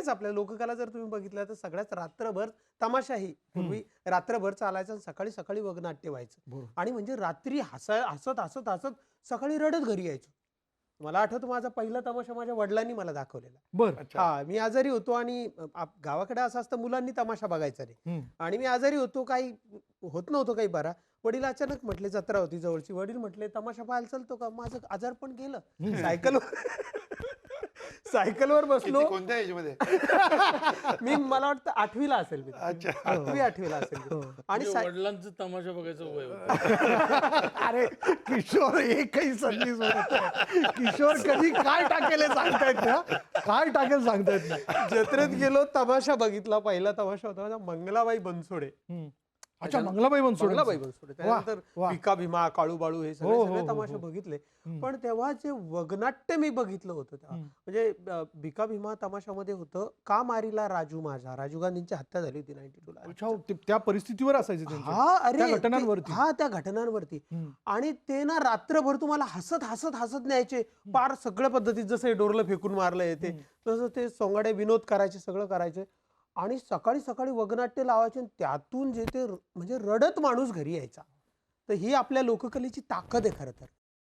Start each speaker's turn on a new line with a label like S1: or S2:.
S1: सगळ्याच आपल्या लोककला जर तुम्ही बघितलं तर सगळ्याच रात्रभर तमाशाही पूर्वी रात्रभर चालायचं आणि सकाळी सकाळी वगनाट्य व्हायचं आणि म्हणजे रात्री हसत हसत हसत सकाळी रडत घरी यायचो. मला आठवतं माझा पहिला तमाशा माझ्या वडिलांनी मला दाखवलेला.
S2: बर
S1: हा मी आजारी होतो आणि गावाकडे असं असतं मुलांनी तमाशा बघायचा नाही आणि मी आजारी होतो, काही होत नव्हतं काही बरा. वडील अचानक म्हटले, जत्रा होती जवळची, वडील म्हटले तमाशा पाहायला चालतो का? माझं आजार पण गेलं. सायकलवर बसलो.
S3: कोणत्या एज मध्ये?
S1: मी मला वाटतं 8वीला असेल मी. 8वीला असेल मी. आणि
S4: वडिलांचं तमाशा बघायचं वय होतं.
S2: अरे किशोर एकही संधी सोडत नाही. किशोर कधी काय टाकेल हे सांगता येत नाही. काय टाकेल सांगता येत नाही.
S1: जत्रेत गेलो, तमाशा बघितला. पहिला तमाशा होता माझा मंगलाबाई बनसोडे.
S2: अच्छा, मंगलाबाई बनसोडे.
S1: मंगलाबाई बनसोडे. त्यानंतर भिका भीमा, काळू बाळू हे सगळे तमाशे बघितले. पण तेव्हा जे वगनाट्य मी बघितलं होतं तेव्हा, म्हणजे भिका भीमा तमाशामध्ये होतं, का मारीला राजू माझा, राजीव गांधींची हत्या झाली होती 92 ला.
S2: अच्छा, त्या परिस्थितीवर असायचे
S1: त्या
S2: घटनांवरती.
S1: त्या घटनांवरती. आणि ते ना रात्रभर तुम्हाला हसत हसत हसत न्यायचे. पार सगळ्या पद्धतीत, जसं हे डोरलं फेकून मारलं येते तसं ते सोंगाडे विनोद करायचे, सगळं करायचे. आणि सकाळी सकाळी वगनाट्य लावायचे आणि त्यातून जे ते म्हणजे रडत माणूस घरी यायचा. तर ही आपल्या लोककलेची ताकद आहे खरं तर.